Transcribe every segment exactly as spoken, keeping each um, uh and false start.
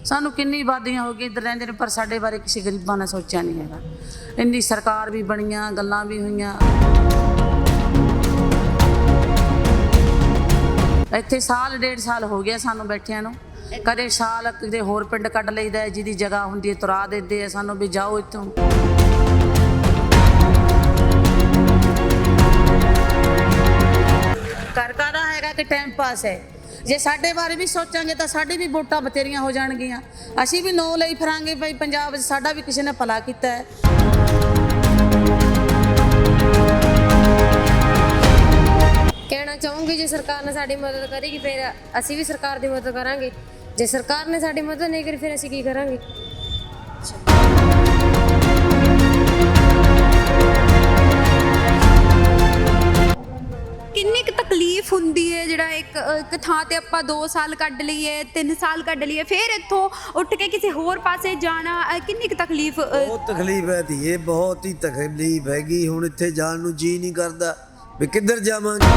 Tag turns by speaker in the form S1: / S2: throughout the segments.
S1: सानू किन्नी आबादियां हो गई इधर रहिंदे ने पर साडे बारे किसी गरीबां ने सोचा नहीं हैगा। इन्नी सरकार भी बनियां गल्लां भी होईयां। ਇੱਥੇ साल डेढ़ साल हो गया सानू बैठिया नूं। कदे साल किते होर पिंड कढ लईदा है जिहदी जगह हुंदी है तुरा दिंदे आ सानू भी जाओ इत्थों। घर काहदा हैगा कि टाइम पास है। जे साडे बारे भी सोचांगे तो साडी भी वोटां बतेरियां हो जाणगीਆਂ। ਅਸੀਂ भी नौ ਲਈ ਫਿਰਾਂਗੇ भाई पंजाब साडा भी किसी ने भला कीता है।
S2: कहना चाहूँगी जे सरकार ने साड़ी मदद करेगी फिर असी भी सरकार की मदद करांगे। जे सरकार ने साड़ी मदद नहीं करी फिर असी की करांगे।
S3: किन्नी क तकलीफ हुंदी है जिहड़ा एक एक थां ते आपां दो साल कढ लईए तीन साल कढ लईए फिर इत्थों उठ के किसी होर पासे जाना किन्नी क तकलीफ।
S4: बहुत तकलीफ है धीए बहुत ही तकलीफ हैगी। हुण इत्थे जाण नूं जी नहीं करदा भी किधर जावांगे।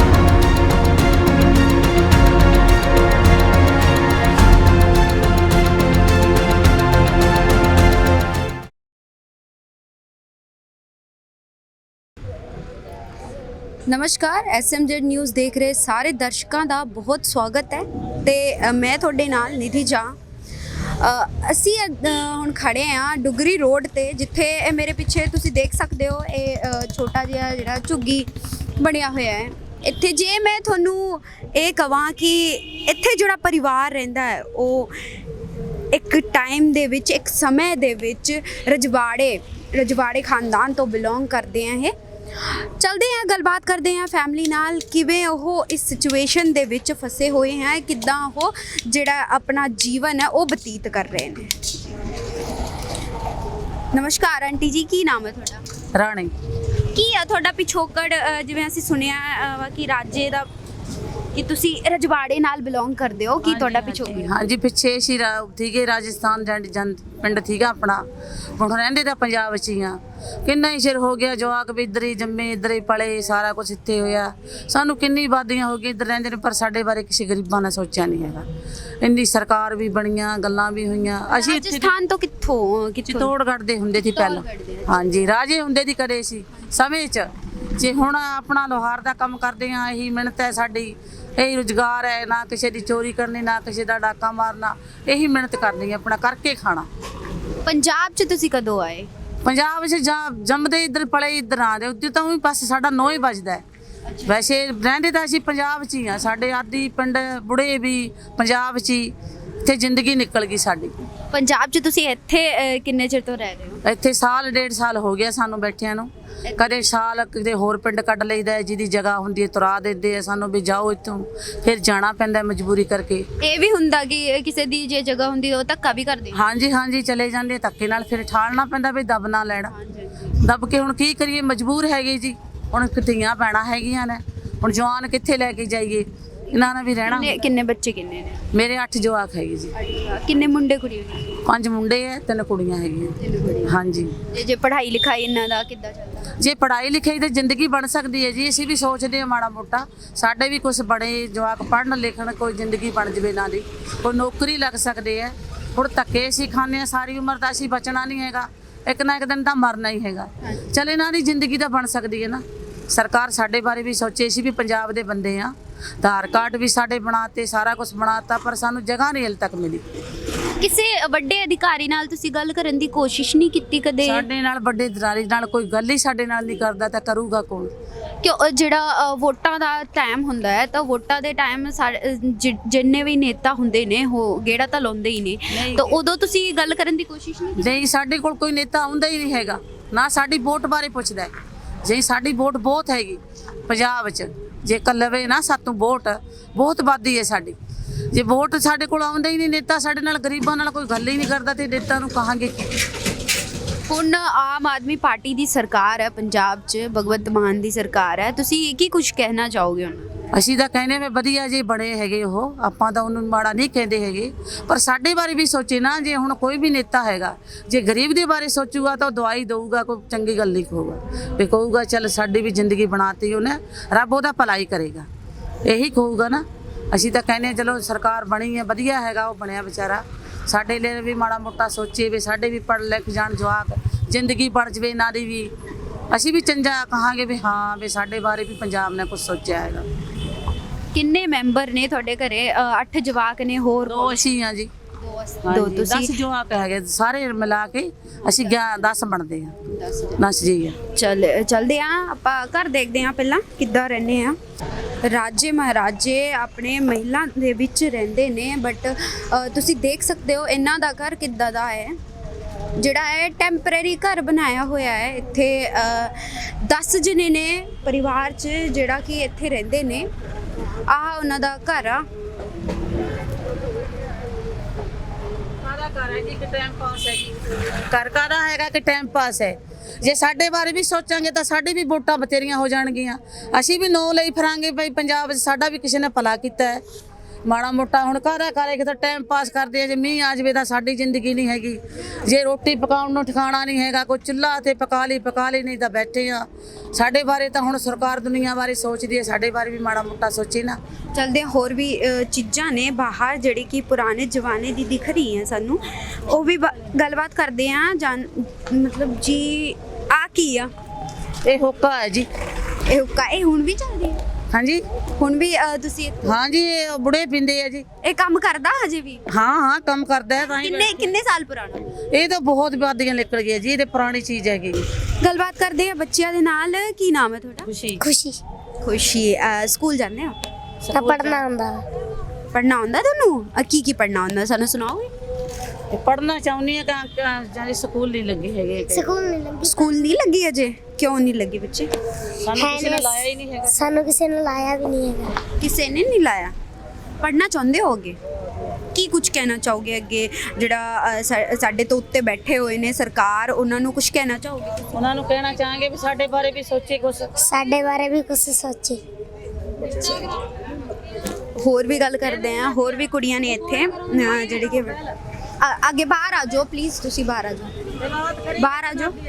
S3: नमस्कार एस एम जेड न्यूज़ देख रहे सारे दर्शकों का बहुत स्वागत है। तो मैं थोड़े नाल निधि झा असी हुण खड़े हाँ डुगरी रोड ते जिथे मेरे पिछे तुसी देख सकते हो ये छोटा जिहा जिहड़ा झुग्गी बनिया होया है। इत्थे जे मैं थोनू ये कहां कि इत्थे जिहड़ा परिवार रहिंदा है वो एक टाइम दे विच एक समय दे विच रजवाड़े रजवाड़े खानदान तो बिलोंग करते हैं। ये चलते हैं गलबात करते हैं फैमिली नाल किवें ओह इस सिचुएशन दे विच फसे हुए हैं किद्दां ओह जिहड़ा अपना जीवन है वो बतीत कर रहे हैं। नमस्कार आंटी जी की नाम है तुहाडा?
S1: राणी
S3: की है तुहाडा पिछोकड़ जिवें असीं सुनिया कि राजे दा कि तुसी रजवाड़े नाल बिलोंग करदे हो की तुहाडा पिछोकड़?
S1: हाँ जी पिछे असीं ठीके राजस्थान जन पिंड ठीका अपना हुण रहिंदे तां पंजाब च ही हाँ। किन्ना ही चिर हो गया जवाक भी इधर ही जम्मे इधर ही पले सारा कुछ इत्थे होया। सानू किन्नी आबादियां हो गई इधर रहिंदे ने पर साडे बारे किसी गरीबां ने सोचा नहीं हैगा। इन्नी सरकार भी बनियां गल्लां भी होईयां। असीं
S3: राजस्थान तो कित्थों कित्थों
S1: चित्तौड़गढ़ दे हुंदे सी पहला। हाँ जी राजे हुंदे दी कदे सी समय च जे हुण अपना लोहार दा काम करदे हाँ यही मिहनत है साडी यही रोजगार है। ना किसी की चोरी करनी ना किसी का डाका मारना यही मिहनत करनी अपना करके खाना।
S3: पंजाब च तुसी कदों आए?
S1: पंजाब च जा जमदे इधर पले इधर आंदे उत्ते तां भी बस साडा नौ ही बजदा है। वैसे रहिंदे तां असीं पंजाब च ही हाँ। साडे आदि पिंड बुढ़े भी पंजाब च ही इत्थे जिंदगी निकल गई साडी।
S3: पंजाब च तुसी इत्थे किन्ने चिर तो रह रहे हो?
S1: इत्थे साल डेढ़ साल हो गया सानू बैठिया नूं। कदे साल किते होर पिंड कढ लईदा है जिहदी जगह हुंदी है तुरा दिंदे आ सानू भी जाओ इत्थों। फिर जाना पैंदा मजबूरी करके।
S3: ये भी हुंदा कि किसी दी जे जगह हुंदी ओ धक्का भी कर दे? हाँ
S1: जी हाँ जी चले जांदे धक्के नाल फिर ठालना पैंदा भी दब ना लैना। दब के हुण की करिए मजबूर हैगे जी। हुण धीआं भैणां हैगियां ने हुण जवान कित्थे लैके जाइए इन्हां ने भी रहना।
S3: किन्ने बच्चे किन्ने ने?
S1: मेरे अठ जवाक हैगे जी।
S3: किन्ने मुंडे कुड़ी?
S1: पांच मुंडे है तीन कुड़ियां हैगियां। हाँ जी
S3: जे जे पढ़ाई लिखाई इन्हां दा किद्दां चलदा?
S1: जे पढ़ाई लिखाई तो जिंदगी बन सकती है जी। असीं भी सोचते हैं माड़ा मोटा साडे भी कुछ बड़े जवाक पढ़न लिखण कोई जिंदगी बन जाए ना दी कोई नौकरी लग सकती है। हुण धक्के असीं खाने सारी उम्र तो असीं बचना नहीं हैगा एक ना एक दिन तो मरना ही हैगा। चल इन्हां दी जिंदगी तो बन सकती है ना। सरकार साडे बारे भी सोचे। असीं भी पंजाब दे बंदे हाँ। आधार कार्ड भी साडे बनाते सारा कुछ बनाता पर सानू जगह नहीं हल तक मिली।
S3: किसी वड्डे अधिकारी नाल तुसी गल करन दी कोशिश नहीं कीती कदे?
S1: साडे नाल वड्डे अधिकारी नाल कोई गल ही साडे नाल नहीं करदा तां करूगा कौन?
S3: क्यों जिहड़ा वोटां दा टाइम हुंदा है तां वोटां दे टाइम जिन्ने भी नेता हुंदे ने हो गेड़ा तां लाउंदे ही ने तो उदों तुसी गल करन दी कोशिश नहीं?
S1: नहीं साडे कोल कोई नेता आउंदा ही नहीं हैगा ना साडी वोट बारे पुछदा है। जे साडी वोट बहुत हैगी पंजाब च जे कलवे ना सातों वोट बहुत आबादी है साडी। जे वोट साडे कोल आउंदा ही नहीं नेता साडे नाल गरीबां नाल कोई गल ही नहीं करदा ते नेता नूं कहांगे की?
S3: हुण आम आदमी पार्टी दी सरकार है पंजाब च भगवंत मान दी सरकार है तुसी की कुछ कहना चाहोगे हुण?
S1: ਅਸੀਂ ਤਾਂ ਕਹਿੰਦੇ ਵੇ ਵਧੀਆ ਜੇ ਬਣੇ ਹੈਗੇ ਉਹ ਆਪਾਂ ਤਾਂ ਉਹਨੂੰ ਮਾੜਾ ਨਹੀਂ ਕਹਿੰਦੇ ਹੈਗੇ ਪਰ ਸਾਡੇ ਬਾਰੇ ਵੀ ਸੋਚੇ ਨਾ ਜੇ ਹੁਣ ਕੋਈ ਵੀ ਨੇਤਾ ਹੈਗਾ ਜੇ ਗਰੀਬ ਦੇ ਬਾਰੇ ਸੋਚੂਗਾ ਤਾਂ ਦਵਾਈ ਦਊਗਾ ਕੋਈ ਚੰਗੀ ਗੱਲ ਨਹੀਂ ਕਹੂਗਾ ਵੀ ਕਹੂਗਾ ਚੱਲ ਸਾਡੀ ਵੀ ਜ਼ਿੰਦਗੀ ਬਣਾਤੀ ਉਹਨੇ ਰੱਬ ਉਹਦਾ ਭਲਾਈ ਕਰੇਗਾ ਇਹੀ ਕਹੂਗਾ ਨਾ। ਅਸੀਂ ਤਾਂ ਕਹਿੰਦੇ ਚਲੋ ਸਰਕਾਰ ਬਣੀ ਹੈ ਵਧੀਆ ਹੈਗਾ ਉਹ ਬਣਿਆ ਵਿਚਾਰਾ ਸਾਡੇ ਲਈ ਵੀ ਮਾੜਾ ਮੋਟਾ ਸੋਚੇ ਵੀ ਸਾਡੇ ਵੀ ਪੜ੍ਹ ਲਿਖ ਜਾਣ ਜਵਾਕ, ਜ਼ਿੰਦਗੀ ਬਣ ਜਵੇ ਇਹਨਾਂ ਦੀ ਵੀ, ਅਸੀਂ ਵੀ ਚੰਗਾ ਕਹਾਂਗੇ ਵੀ ਹਾਂ ਵੀ ਸਾਡੇ ਬਾਰੇ ਵੀ ਪੰਜਾਬ ਨੇ ਕੁਝ ਸੋਚਿਆ ਹੈਗਾ।
S3: ਕਿੰਨੇ ਮੈਂਬਰ ਨੇ ਤੁਹਾਡੇ ਘਰੇ? ਅ, ਅੱਠ ਜਵਾਕ ਨੇ, ਹੋਰ
S1: ਦੋ ਅਸੀਂ ਆ ਜੀ,
S3: ਦੋ
S1: ਹਾਂਜੀ,
S3: ਤੁਸੀਂ?
S1: ਦਸ ਜਵਾਕ ਹੈਗੇ ਸਾਰੇ ਮਿਲਾ ਕੇ ਅਸੀਂ ਦਸ ਬਣਦੇ ਆ, ਦਸ ਜੀ ਆ।
S3: ਚੱਲ ਚੱਲਦੇ ਆ ਆਪਾਂ ਘਰ ਦੇਖਦੇ ਆ ਪਹਿਲਾਂ ਕਿੱਦਾਂ ਰਹਿੰਦੇ ਆ। ਰਾਜੇ ਮਹਾਰਾਜੇ ਆਪਣੇ ਮਹਿਲਾਂ ਦੇ ਵਿੱਚ ਰਹਿੰਦੇ ਨੇ, ਬਟ ਤੁਸੀਂ ਦੇਖ ਸਕਦੇ ਹੋ ਇਹਨਾਂ ਦਾ ਘਰ ਕਿੱਦਾਂ ਦਾ ਹੈ, ਜਿਹੜਾ ਹੈ ਟੈਂਪਰੇਰੀ ਘਰ ਬਣਾਇਆ ਹੋਇਆ ਹੈ। ਇੱਥੇ ਦਸ ਜਣੇ ਨੇ ਪਰਿਵਾਰ 'ਚ ਜਿਹੜਾ ਕਿ ਇੱਥੇ ਰਹਿੰਦੇ ਨੇ। ਆਹ ਉਹਨਾਂ ਦਾ ਘਰ ਆ।
S1: ਘਰ ਹੈ ਜੀ ਕਿ ਟਾਈਮ ਪਾਸ ਹੈ ਜੀ, ਘਰ ਕਾਹਦਾ ਹੈਗਾ ਕਿ ਟਾਈਮ ਪਾਸ ਹੈ। ਜੇ ਸਾਡੇ ਬਾਰੇ ਵੀ ਸੋਚਾਂਗੇ ਤਾਂ ਸਾਡੀ ਵੀ ਵੋਟਾਂ ਬਥੇਰੀਆਂ ਹੋ ਜਾਣਗੀਆਂ, ਅਸੀਂ ਵੀ ਨੋ ਲਈ ਫਿਰਾਂਗੇ ਬਈ ਪੰਜਾਬ 'ਚ ਸਾਡਾ ਵੀ ਕਿਸੇ ਨੇ ਭਲਾ ਕੀਤਾ ਹੈ। ਮਾੜਾ ਮੋਟਾ ਹੁਣ ਕਾਹਦਾ ਕਰੇ ਕਿ ਤਾਂ ਟਾਈਮ ਪਾਸ ਕਰਦੇ ਆ। ਜੇ ਮੀਂਹ ਆ ਜਾਵੇ ਤਾਂ ਸਾਡੀ ਜ਼ਿੰਦਗੀ ਨਹੀਂ ਹੈਗੀ, ਜੇ ਰੋਟੀ ਪਕਾਉਣ ਨੂੰ ਠਿਕਾਣਾ ਨਹੀਂ ਹੈਗਾ, ਕੋਈ ਚੁੱਲ੍ਹਾ ਤੇ ਪਕਾ ਲਈ ਪਕਾ ਲਈ, ਨਹੀਂ ਤਾਂ ਬੈਠੇ ਆ। ਸਾਡੇ ਬਾਰੇ ਤਾਂ ਹੁਣ ਸਰਕਾਰ ਦੁਨੀਆ ਬਾਰੇ ਸੋਚਦੀ ਹੈ, ਸਾਡੇ ਬਾਰੇ ਵੀ ਮਾੜਾ ਮੋਟਾ ਸੋਚੇ ਨਾ।
S3: ਚਲਦੇ ਹੋਰ ਵੀ ਅ, ਚੀਜ਼ਾਂ ਨੇ ਬਾਹਰ ਜਿਹੜੀ ਕਿ ਪੁਰਾਣੇ ਜ਼ਮਾਨੇ ਦੀ ਦਿਖ ਰਹੀ ਹੈ ਸਾਨੂੰ, ਉਹ ਵੀ ਬ- ਗੱਲਬਾਤ ਕਰਦੇ ਆ। ਜਾਨ ਮਤਲਬ ਜੀ ਆ ਕੀ ਆ?
S1: ਇਹ ਹੋਕਾ ਹੈ ਜੀ।
S3: ਇਹ ਹੁੱਕਾ ਇਹ ਹੁਣ ਵੀ ਚੱਲ ਰਹੀ ਹੈ?
S1: ਹਾਂਜੀ
S3: ਹੁਣ ਵੀ ਅ, ਤੁਸੀਂ ਇੱਥੇ-
S1: ਹਾਂਜੀ, ਇਹ ਬੁੜੇ ਪੀਂਦੇ ਆ ਜੀ।
S3: ਇਹ ਕੰਮ ਕਰਦਾ ਹਜੇ ਵੀ?
S1: ਹਾਂ ਹਾਂ ਕੰਮ ਕਰਦਾ ਹੈ ਤਾਂ ਹੀ।
S3: ਕਿੰਨੇ ਕਿੰਨੇ ਸਾਲ ਪੁਰਾਣਾ?
S1: ਇਹ ਤਾਂ ਬਹੁਤ ਵਾਦੀਆਂ ਨਿਕਲ ਗਈਆਂ ਜੀ, ਇਹ ਤੇ ਪੁਰਾਣੀ ਚੀਜ਼ ਹੈਗੀ।
S3: ਗੱਲਬਾਤ ਕਰਦੇ ਆ ਬੱਚਿਆਂ ਦੇ ਨਾਲ। ਕੀ ਨਾਮ ਹੈ ਤੁਹਾਡਾ?
S1: ਖੁਸ਼ੀ
S2: ਖੁਸ਼ੀ
S3: ਖੁਸ਼ੀ। ਅ, ਸਕੂਲ ਜਾਂਦੇ ਹੋ?
S2: ਤਾਂ ਪੜਨਾ ਹੁੰਦਾ।
S3: ਪੜ੍ਹਨਾ ਆਉਂਦਾ ਤੁਹਾਨੂੰ? ਅ, ਕੀ ਕੀ ਪੜ੍ਹਨਾ ਆਉਂਦਾ ਸਾਨੂੰ ਸੁਣਾਓਗੇ?
S1: ਪੜਨਾ ਚਾਹੁੰਦੀ ਹੈ ਕਿ ਜਾਂ ਸਕੂਲ ਨਹੀਂ ਲੱਗੇ ਹੈਗੇ,
S2: ਸਕੂਲ ਨਹੀਂ ਲੱਗੀ,
S3: ਸਕੂਲ ਨਹੀਂ ਲੱਗੀ ਅਜੇ? ਕਿਉਂ ਨਹੀਂ ਲੱਗੀ ਬੱਚੇ?
S1: ਸਾਨੂੰ ਕਿਸੇ ਨੇ ਲਾਇਆ ਹੀ ਨਹੀਂ ਹੈਗਾ।
S2: ਸਾਨੂੰ ਕਿਸੇ ਨੇ ਲਾਇਆ ਵੀ ਨਹੀਂ ਹੈਗਾ।
S3: ਕਿਸੇ ਨੇ ਨਹੀਂ ਲਾਇਆ? ਪੜ੍ਹਨਾ ਚਾਹੁੰਦੇ ਹੋਗੇ? ਕੀ ਕੁਝ ਕਹਿਣਾ ਚਾਹੋਗੇ ਅੱਗੇ, ਜਿਹੜਾ ਅ, ਸਾ- ਸਾਡੇ ਤੋਂ ਉੱਤੇ ਬੈਠੇ ਹੋਏ ਨੇ ਸਰਕਾਰ, ਉਹਨਾਂ ਨੂੰ ਕੁਝ ਕਹਿਣਾ ਚਾਹੋਗੇ?
S1: ਉਹਨਾਂ ਨੂੰ ਕਹਿਣਾ ਚਾਹਾਂਗੇ ਵੀ ਸਾਡੇ ਬਾਰੇ ਵੀ ਸੋਚੇ ਕੁਛ।
S2: ਸਾਡੇ ਬਾਰੇ ਵੀ ਕੁਝ ਸੋਚੇ।
S3: ਹੋਰ ਵੀ ਗੱਲ ਕਰਦੇ ਆ। ਹੋਰ ਵੀ ਕੁੜੀਆਂ ਨੇ ਇੱਥੇ ਅ, ਜਿਹੜੀ ਕਿ ਅ- ਅੱਗੇ ਬਾਹਰ ਆ ਜਾਓ ਪਲੀਜ਼, ਤੁਸੀਂ ਬਾਹਰ ਆ ਜਾਓ, ਬਾਹਰ ਆ ਜਾਓ।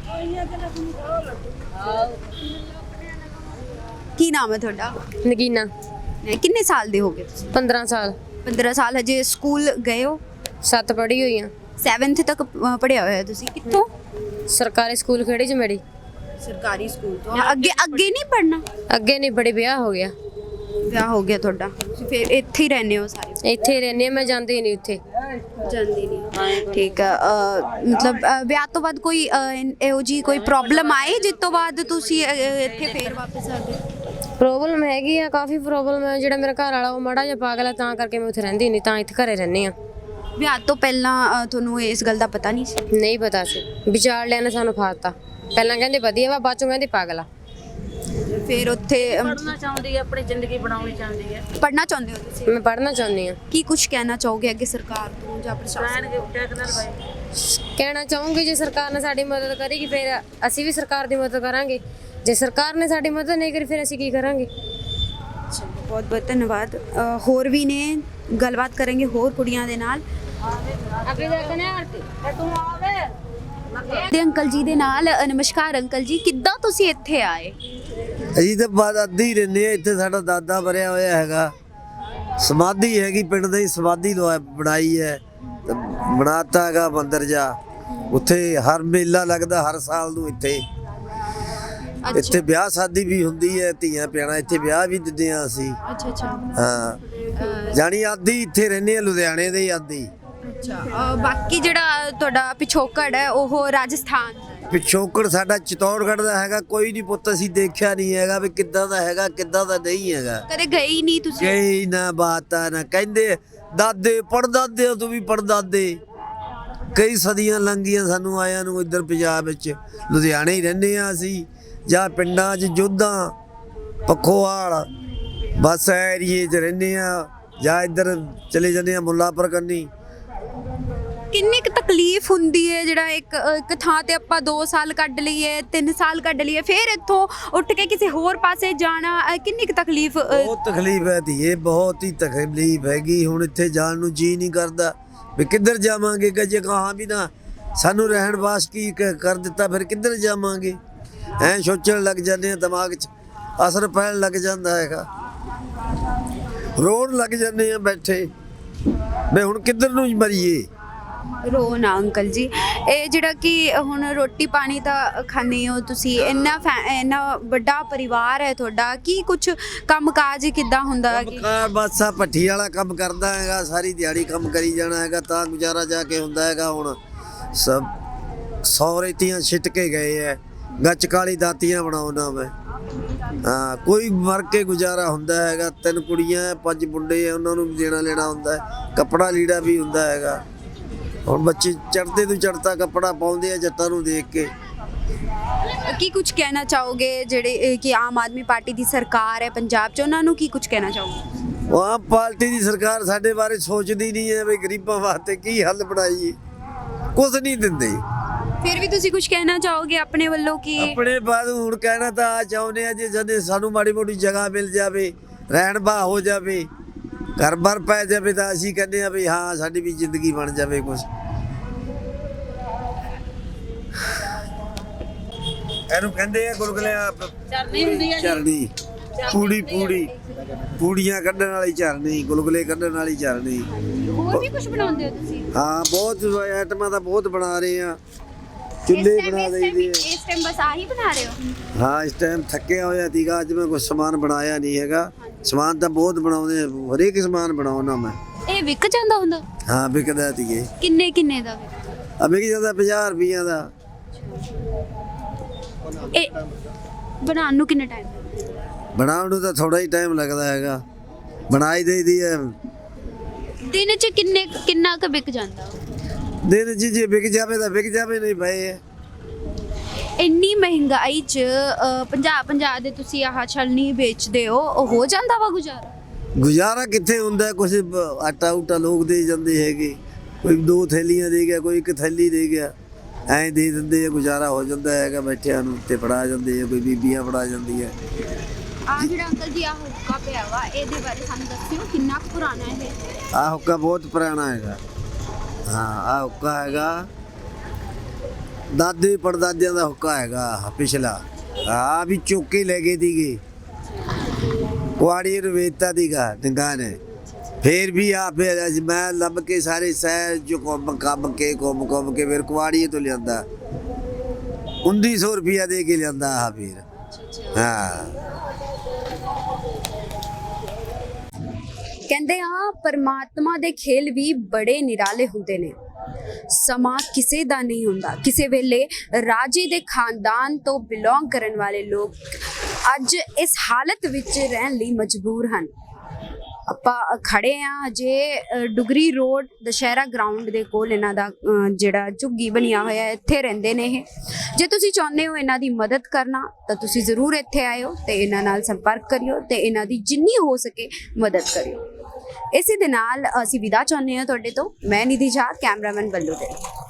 S3: ਕੀ ਨਾਮ ਹੈ ਤੁਹਾਡਾ?
S2: ਨਗੀਨਾ।
S3: ਅ, ਕਿੰਨੇ ਸਾਲ ਦੇ ਹੋਗੇ ਤੁਸੀਂ?
S2: ਪੰਦਰਾਂ ਸਾਲ।
S3: ਪੰਦਰਾਂ ਸਾਲ। ਹਜੇ ਸਕੂਲ ਗਏ ਹੋ?
S2: ਸੱਤ ਪੜ੍ਹੀ ਹੋਈ ਆ।
S3: ਸੈਵਨਥ ਤੱਕ ਅ, ਪੜ੍ਹਿਆ ਹੋਇਆ ਤੁਸੀਂ? ਕਿੱਥੋਂ?
S2: ਸਰਕਾਰੀ ਸਕੂਲ ਖੇੜੀ ਚ ਮੇਰੀ।
S3: ਸਰਕਾਰੀ ਸਕੂਲ ਤੋਂ। ਅੱਗੇ ਅੱਗੇ ਨਹੀਂ ਪੜ੍ਹਨਾ?
S2: ਅੱਗੇ ਨਹੀਂ ਬੜੇ ਵਿਆਹ ਹੋ ਗਿਆ।
S3: ਵਿਆਹ ਹੋ ਗਿਆ ਤੁਹਾਡਾ? ਤੁਸੀਂ ਫਿਰ ਇੱਥੇ ਹੀ ਰਹਿੰਦੇ ਹੋ ਸਾਰੇ?
S2: ਇੱਥੇ ਰਹਿੰਦੀ ਹਾਂ ਮੈਂ, ਜਾਂਦੀ ਨਹੀਂ ਉੱਥੇ।
S3: ਜਾਂਦੀ ਨਹੀਂ। ਠੀਕ ਹੈ। ਅ, ਮਤਲਬ ਅ, ਵਿਆਹ ਤੋਂ ਬਾਅਦ ਕੋਈ ਅ, ਇਨ- ਇਹੋ ਜੀ ਕੋਈ ਪ੍ਰੋਬਲਮ ਆਈ ਜਿਸ ਤੋਂ ਬਾਅਦ ਤੁਸੀਂ ਅ, ਇੱਥੇ ਫੇਰ ਵਾਪਸ ਆ ਗਏ?
S2: ਪ੍ਰੋਬਲਮ ਹੈਗੀ ਆ, ਕਾਫੀ ਪ੍ਰੋਬਲਮ ਹੈ। ਜਿਹੜਾ ਮੇਰਾ ਘਰ ਵਾਲਾ ਉਹ ਮਾੜਾ ਜਿਹਾ ਪਾਗਲ ਹੈ, ਤਾਂ ਕਰਕੇ ਮੈਂ ਉੱਥੇ ਰਹਿੰਦੀ ਨਹੀਂ, ਤਾਂ ਇੱਥੇ ਘਰੇ ਰਹਿੰਦੀ ਆ।
S3: ਵਿਆਹ ਤੋਂ ਪਹਿਲਾਂ ਅ, ਤੁਹਾਨੂੰ ਇਸ ਗੱਲ ਦਾ ਪਤਾ ਨਹੀਂ ਸੀ?
S2: ਨਹੀਂ ਪਤਾ ਸੀ, ਵਿਚਾਰ ਲਿਆ ਨੇ ਸਾਨੂੰ ਫਾਤਾ। ਪਹਿਲਾਂ ਕਹਿੰਦੇ ਵਧੀਆ ਵਾ, ਬਾਅਦ ਚੋਂ ਕਹਿੰਦੇ ਪਾਗਲ ਆ।
S3: ਫਿਰ ਉੱਥੇ
S1: ਪੜਨਾ ਚਾਹੁੰਦੀ ਹੈ, ਆਪਣੀ ਜ਼ਿੰਦਗੀ ਬਣਾਉਣੀ ਚਾਹੁੰਦੀ ਹੈ।
S3: ਪੜ੍ਹਨਾ ਚਾਹੁੰਦੇ ਹੋ ਤੁਸੀਂ?
S2: ਮੈਂ ਪੜ੍ਹਨਾ ਚਾਹੁੰਦੀ ਆ।
S3: ਕੀ ਕੁਝ ਕਹਿਣਾ ਚਾਹੋਗੇ ਅੱਗੇ ਸਰਕਾਰ ਤੋਂ ਜਾਂ ਪ੍ਰਸ਼ਾਸਨ?
S2: ਕਹਿਣਾ ਚਾਹੂੰਗੀ ਜੇ ਸਰਕਾਰ ਨੇ ਸਾਡੀ ਮਦਦ ਕਰੇਗੀ ਫਿਰ ਅਸੀਂ ਵੀ ਸਰਕਾਰ ਦੀ ਮਦਦ ਕਰਾਂਗੇ, ਜੇ ਸਰਕਾਰ ਨੇ ਸਾਡੀ ਮਦਦ ਨਹੀਂ ਕਰੀ ਫਿਰ ਅਸੀਂ ਕੀ ਕਰਾਂਗੇ।
S3: ਬਹੁਤ ਬਹੁਤ ਧੰਨਵਾਦ। ਅ, ਹੋਰ ਵੀ ਨੇ, ਗੱਲਬਾਤ ਕਰਾਂਗੇ ਹੋਰ ਕੁੜੀਆਂ ਦੇ ਨਾਲ।
S2: ਅੱਗੇ ਜਾ ਕੇ ਨਾ ਤੂੰ ਆਵੇ
S3: ਦੇ ਅੰਕਲ ਜੀ ਦੇ ਨਾਲ। ਅ, ਨਮਸਕਾਰ ਅੰਕਲ ਜੀ, ਕਿੱਦਾਂ ਤੁਸੀਂ ਇੱਥੇ ਆਏ?
S4: ਅਸੀਂ ਤਾਂ ਬਾਦ ਅੱਧੀ ਰਹਿੰਦੇ ਆ ਇੱਥੇ। ਸਾਡਾ ਦਾਦਾ ਬਰਿਆ ਹੋਇਆ ਹੈਗਾ, ਸਮਾਧੀ ਹੈਗੀ ਪਿੰਡ ਦੀ, ਸਮਾਧੀ ਲਵਾ ਬਣਾਈ ਹੈ, ਤੇ ਬਣਾਤਾ ਹੈਗਾ ਮੰਦਿਰ ਜਾ। ਉੱਥੇ ਹਰ ਮੇਲਾ ਲੱਗਦਾ ਹਰ ਸਾਲ ਨੂੰ। ਇੱਥੇ ਇੱਥੇ ਵਿਆਹ ਸ਼ਾਦੀ ਵੀ ਹੁੰਦੀ ਹੈ, ਧੀਆਂ ਪਿਆਣਾ ਇੱਥੇ ਵਿਆਹ ਵੀ ਦਿੰਦੇ ਆ ਅਸੀਂ।
S3: ਅੱਛਾ ਅੱਛਾ।
S4: ਹਾਂ, ਜਾਣੀ ਆਦੀ ਇੱਥੇ ਰਹਿੰਦੇ ਆ, ਲੁਧਿਆਣੇ ਦੇ ਆਦੀ।
S3: ਅੱਛਾ। ਬਾਕੀ ਜਿਹੜਾ ਤੁਹਾਡਾ ਪਿਛੋਕੜ ਹੈ ਉਹ ਰਾਜਸਥਾਨ ਦਾ ਹੈ?
S4: ਪਿਛੋਕੜ ਸਾਡਾ ਚਿਤੌੜਗੜ੍ਹ ਦਾ ਹੈਗਾ। ਕੋਈ ਨਹੀਂ ਪੁੱਤ, ਅਸੀਂ ਦੇਖਿਆ ਨਹੀਂ ਹੈਗਾ ਵੀ ਕਿੱਦਾਂ ਦਾ ਹੈਗਾ ਕਿੱਦਾਂ ਦਾ ਨਹੀਂ ਹੈਗਾ।
S3: ਕਦੇ ਗਏ ਹੀ ਨਹੀਂ ਤੁਸੀਂ?
S4: ਕਈ ਨਾ ਬਾਤਾਂ ਨਾ ਕਹਿੰਦੇ ਦਾਦੇ ਪੜਦਾਦੇ ਤੂੰ ਵੀ ਪੜਦਾਦੇ। ਕਈ ਸਦੀਆਂ ਲੰਘੀਆਂ ਸਾਨੂੰ ਆਇਆਂ ਨੂੰ ਇੱਧਰ ਪੰਜਾਬ ਵਿੱਚ। ਲੁਧਿਆਣੇ ਹੀ ਰਹਿੰਦੇ ਆ ਅਸੀਂ, ਜਾਂ ਪਿੰਡਾਂ 'ਚ ਜੋਧਾਂ ਪੱਖੋਵਾਲ ਬਸ ਏਰੀਏ 'ਚ ਰਹਿੰਦੇ ਆ, ਜਾਂ ਇੱਧਰ ਚਲੇ ਜਾਂਦੇ ਆ ਮੁੱਲਾਂਪੁਰ ਕੰਨੀ।
S3: ਕਿੰਨੀ ਕੁ ਤਕਲੀਫ ਹੁੰਦੀ ਹੈ ਜਿਹੜਾ ਇੱਕ ਇੱਕ ਥਾਂ ਤੇ ਆਪਾਂ ਦੋ ਸਾਲ ਕੱਢ ਲਈਏ, ਤਿੰਨ ਸਾਲ ਕੱਢ ਲਈਏ, ਫਿਰ ਇੱਥੋਂ ਉੱਠ ਕੇ ਕਿਸੇ ਹੋਰ ਪਾਸੇ ਜਾਣਾ, ਅ, ਕਿੰਨੀ ਕੁ ਤਕਲੀਫ? ਅ,
S4: ਬਹੁਤ ਤਕਲੀਫ ਹੈ ਧੀਏ, ਬਹੁਤ ਹੀ ਤਕਲੀਫ ਹੈਗੀ। ਹੁਣ ਇੱਥੇ ਜਾਣ ਨੂੰ ਜੀ ਨਹੀਂ ਕਰਦਾ ਵੀ ਕਿੱਧਰ ਜਾਵਾਂਗੇ। ਕਿ ਜੇ ਕਹਾਂ ਵੀ ਨਾ ਸਾਨੂੰ ਰਹਿਣ ਵਾਸ ਕੀ ਕ- ਕਰ ਦਿੱਤਾ, ਫਿਰ ਕਿੱਧਰ ਜਾਵਾਂਗੇ। ਐਂ ਸੋਚਣ ਲੱਗ ਜਾਂਦੇ ਆ, ਦਿਮਾਗ 'ਚ ਅਸਰ ਪੈਣ ਲੱਗ ਜਾਂਦਾ ਹੈਗਾ, ਰੋਣ ਲੱਗ ਜਾਂਦੇ ਆ ਬੈਠੇ ਵੀ ਹੁਣ ਕਿੱਧਰ ਨੂੰ ਮਰੀਏ।
S3: ਰੋ ਨਾ ਅੰਕਲ ਜੀ। ਇਹ ਜਿਹੜਾ ਕਿ ਹੁਣ ਰੋਟੀ ਪਾਣੀ ਤਾਂ ਖਾਂਦੇ ਹੋ ਤੁਸੀਂ, ਇੰਨਾ ਫੈ- ਇੰਨਾ ਵੱਡਾ ਪਰਿਵਾਰ ਹੈ ਤੁਹਾਡਾ, ਕੀ ਕੁਝ ਕੰਮ ਕਾਜ ਕਿੱਦਾਂ ਹੁੰਦਾ ਕਿ
S4: ਕਾਰ ਬਸ ਆ ਭੱਠੀ ਵਾਲਾ ਕੰਮ ਕਰਦਾ ਹੈਗਾ, ਸਾਰੀ ਦਿਹਾੜੀ ਕੰਮ ਕਰੀ ਜਾਣਾ ਹੈਗਾ ਤਾਂ ਗੁਜ਼ਾਰਾ ਜਾ ਕੇ ਹੁੰਦਾ ਹੈਗਾ। ਹੁਣ ਸਭ ਸੌ ਰੇਤੀਆਂ ਛਿੱਟ ਕੇ ਗਏ ਐ, ਗੱਚ ਕਾਲੀ ਦਾਤੀਆਂ ਬਣਾਉਣਾ ਮੈਂ। ਹਾਂ ਕੋਈ ਮਰ ਕੇ ਗੁਜ਼ਾਰਾ ਹੁੰਦਾ ਹੈਗਾ। ਤਿੰਨ ਕੁੜੀਆਂ ਪੰਜ ਮੁੰਡੇ ਆ, ਉਹਨਾਂ ਨੂੰ ਵੀ ਦੇਣਾ ਲੈਣਾ ਹੁੰਦਾ ਹੈ, ਕੱਪੜਾ ਲੀੜਾ ਵੀ ਹੁੰਦਾ ਹੈਗਾ। ਹੁਣ ਬੱਚੇ ਚੜ੍ਹਦੇ ਤੋਂ ਚੜ੍ਹਤਾ ਕੱਪੜਾ ਪਾਉਂਦੇ ਆ ਜੱਟਾਂ ਨੂੰ ਦੇਖ ਕੇ।
S3: ਕੀ ਕੁਝ ਕਹਿਣਾ ਚਾਹੋਗੇ ਜਿਹੜੇ ਇਹ ਕਿ ਆਮ ਆਦਮੀ ਪਾਰਟੀ ਦੀ ਸਰਕਾਰ ਹੈ ਪੰਜਾਬ 'ਚ, ਉਹਨਾਂ ਨੂੰ ਕੀ ਕੁਝ ਕਹਿਣਾ ਚਾਹੋਗੇ?
S4: ਉਹ ਆਮ ਪਾਰਟੀ ਦੀ ਸਰਕਾਰ ਸਾਡੇ ਬਾਰੇ ਸੋਚਦੀ ਨਹੀਂ ਹੈ ਵੀ ਗਰੀਬਾਂ ਵਾਸਤੇ ਕੀ ਹੱਲ ਬਣਾਈਏ, ਕੁਝ ਨਹੀਂ ਦਿੰਦੇ।
S3: ਫਿਰ ਵੀ ਤੁਸੀਂ ਕੁਝ ਕਹਿਣਾ ਚਾਹੋਗੇ ਆਪਣੇ ਵੱਲੋਂ ਕਿ
S4: ਆਪਣੇ ਬਾਅਦ ਹੁਣ ਕਹਿਣਾ ਤਾਂ ਆ ਚਾਹੁੰਦੇ ਆ ਜੇ ਜਦੇ ਸਾਨੂੰ ਮਾੜੀ ਮੋਟੀ ਜਗ੍ਹਾ ਮਿਲ ਜਾਵੇ, ਰਹਿਣ ਬਾ ਹੋ ਜਾਵੇ, ਘਰ ਬਾਰ ਪੈ ਜਾਵੇ ਤਾਂ ਅਸੀਂ ਕਹਿੰਦੇ ਆ ਵੀ ਹਾਂ ਸਾਡੀ ਵੀ ਜ਼ਿੰਦਗੀ ਬਣ ਜਾਵੇ ਕੁਝ। ਇਹਨੂੰ ਕਹਿੰਦੇ ਆ ਗੁਲਗੁਲੇ
S1: ਚਰਨੀ ਹੁੰਦੀ ਹੈ ਜੀ।
S4: ਚਰਨੀ, ਪੂੜੀ ਪੂੜੀ ਪੂੜੀਆਂ ਕੱਢਣ ਵਾਲੀ ਚਰਨੀ, ਗੁਲਗੁਲੇ ਕੱਢਣ ਵਾਲੀ ਚਰਨੀ।
S3: ਹੋਰ ਵੀ ਕੁਝ ਬਣਾਉਂਦੇ ਹੋ ਤੁਸੀਂ?
S4: ਹਾਂ ਬਹੁਤ ਆਈਟਮਾਂ ਤਾਂ ਬਹੁਤ ਬਣਾ ਰਹੇ ਆ, ਚੁੱਲ੍ਹੇ ਬਣਾ ਦਈਦੇ ਆ।
S3: ਇਸ ਟਾਈਮ ਬਸ ਆਹੀ ਬਣਾ ਰਹੇ ਹੋ?
S4: ਹਾਂ ਇਸ ਟਾਈਮ ਥੱਕਿਆ ਹੋਇਆ ਸੀਗਾ, ਅੱਜ ਮੈਂ ਕੁਝ ਸਮਾਨ ਬਣਾਇਆ ਨਹੀਂ ਹੈਗਾ। ਸਮਾਨ ਤਾਂ ਬਹੁਤ ਬਣਾਉਂਦੇ ਆ, ਹਰੇਕ ਸਮਾਨ ਬਣਾਉਣਾ ਮੈਂ।
S3: ਇਹ ਵਿਕ ਜਾਂਦਾ ਹੁੰਦਾ?
S4: ਹਾਂ ਵਿਕਦਾ ਸੀਗੇ।
S3: ਕਿੰਨੇ ਕਿੰਨੇ ਦਾ?
S4: ਆ ਵਿਕ ਜਾਂਦਾ ਪੰਜਾਹ ਰੁਪਈਆਂ ਦਾ।
S3: ਇਹ ਬਣਾਉਣ ਨੂੰ ਕਿੰਨਾ ਟਾਈਮ?
S4: ਬਣਾਉਣ ਨੂੰ ਤਾਂ ਥੋੜਾ ਹੀ ਟਾਈਮ ਲੱਗਦਾ ਹੈਗਾ, ਬਣਾਈ ਦੇਈਦੀ ਹੈ।
S3: ਦਿਨ 'ਚ ਕਿੰਨੇ ਕਿੰਨਾ ਕੁ ਵਿਕ ਜਾਂਦਾ?
S4: ਦਿਨ 'ਚ ਜੇ ਵਿਕ ਜਾਵੇ ਤਾਂ ਵਿਕ ਜਾਵੇ, ਨਹੀਂ ਪਏ ਹੈ।
S3: ਇੰਨੀ ਮਹਿੰਗਾਈ 'ਚ ਪੰਜਾਹ ਪੰਜਾਹ ਦੇ ਤੁਸੀਂ ਆਹ ਛਲਨੀ ਵੇਚਦੇ ਹੋ, ਉਹ ਹੋ ਜਾਂਦਾ ਵਾ ਗੁਜ਼ਾਰਾ?
S4: ਗੁਜ਼ਾਰਾ ਕਿੱਥੇ ਹੁੰਦਾ, ਕੁਛ ਬ- ਆਟਾ ਉਟਾ ਲੋਕ ਦੇ ਜਾਂਦੇ ਹੈਗੇ, ਕੋਈ ਦੋ ਥੈਲੀਆਂ ਦੇ ਗਿਆ, ਕੋਈ ਇੱਕ ਥੈਲੀ ਦੇ ਗਿਆ, ਐਂ ਦੇ ਦਿੰਦੇ ਆ, ਗੁਜ਼ਾਰਾ ਹੋ ਜਾਂਦਾ ਹੈਗਾ ਬੈਠਿਆਂ ਨੂੰ। ਤੇ ਫੜਾ ਜਾਂਦੇ ਆ, ਕੋਈ ਬੀਬੀਆਂ ਫੜਾ ਜਾਂਦੀ ਹੈ।
S3: ਆ ਜਿਹੜਾ ਅੰਕਲ ਜੀ ਆ ਹੁੱਕਾ ਪਿਆ ਵਾ, ਇਹਦੇ ਬਾਰੇ ਸਾਨੂੰ ਦੱਸਿਓ ਕਿੰਨਾ ਕੁ ਪੁਰਾਣਾ ਹੈ ਇਹ?
S4: ਆਹ ਹੁੱਕਾ ਬਹੁਤ ਪੁਰਾਣਾ ਹੈਗਾ। ਹਾਂ ਆਹ ਹੁੱਕਾ ਹੈਗਾ ਦਾਦੇ ਪੜਦਾਦਿਆਂ ਦਾ ਹੁੱਕਾ ਹੈਗਾ ਆਹ ਪਿਛਲਾ। ਆ ਵੀ ਚੁੱਕ ਕੇ ਲੈ ਗਏ ਸੀਗੇ, ਕੁਆੜੀ ਨੂੰ ਵੇਚਤਾ ਸੀਗਾ ਡੰਗਾ ਨੇ। ਫੇਰ ਵੀ ਆ ਫਿਰ ਅੱਜ ਮੈਂ ਲੱਭ ਕੇ ਸਾਰੇ ਸ਼ਹਿਰ ਚ ਘੁੰਮ ਕੰਮ ਕੇ ਘੁੰਮ ਘੁੰਮ ਕੇ ਫਿਰ ਕੁਆੜੀ ਤੋਂ ਲਿਆਂਦਾ, ਉੱਨੀ ਸੌ ਰੁਪਇਆ ਦੇ ਕੇ ਲਿਆਂਦਾ ਆ ਫਿਰ। ਹਾਂ
S3: ਕਹਿੰਦੇ ਆ ਪਰਮਾਤਮਾ ਦੇ ਖੇਲ ਵੀ ਬੜੇ ਨਿਰਾਲੇ ਹੁੰਦੇ ਨੇ। ਸਮਾਂ ਕਿਸੇ ਦਾ ਨਹੀਂ ਹੁੰਦਾ। ਕਿਸੇ ਵੇਲੇ ਰਾਜੇ ਦੇ ਖਾਨਦਾਨ ਤੋਂ ਬਿਲੋਂਗ ਕਰਨ ਵਾਲੇ ਲੋਕ ਅੱਜ ਇਸ ਹਾਲਤ ਵਿੱਚ ਰਹਿਣ ਲਈ ਮਜਬੂਰ ਹਨ। ਆਪਾਂ ਖੜੇ ਆ ਅਜੇ ਡੁਗਰੀ ਰੋਡ ਦੁਸ਼ਹਿਰਾ ਗਰਾਊਂਡ ਦੇ ਕੋਲ, ਇਹਨਾਂ ਦਾ ਅ, ਜਿਹੜਾ ਝੁੱਗੀ ਬਣਿਆ ਹੋਇਆ ਇੱਥੇ ਰਹਿੰਦੇ ਨੇ ਇਹ। ਜੇ ਤੁਸੀਂ ਚਾਹੁੰਦੇ ਹੋ ਇਹਨਾਂ ਦੀ ਮਦਦ ਕਰਨਾ ਤਾਂ ਤੁਸੀਂ ਜ਼ਰੂਰ ਇੱਥੇ ਆਇਓ ਤੇ ਇਹਨਾਂ ਨਾਲ ਸੰਪਰਕ ਕਰਿਓ ਤੇ ਇਹਨਾਂ ਦੀ ਜਿੰਨੀ ਹੋ ਸਕੇ ਮਦਦ ਕਰਿਓ। ਇਸੇ ਦੇ ਨਾਲ ਅਸੀਂ ਵਿਦਾ ਚਾਹੁੰਦੇ ਹਾਂ ਤੁਹਾਡੇ ਤੋਂ। ਮੈਂ ਨਿਧੀ ਝਾ, ਕੈਮਰਾਮੈਨ ਬੱਲੂ ਦੇ।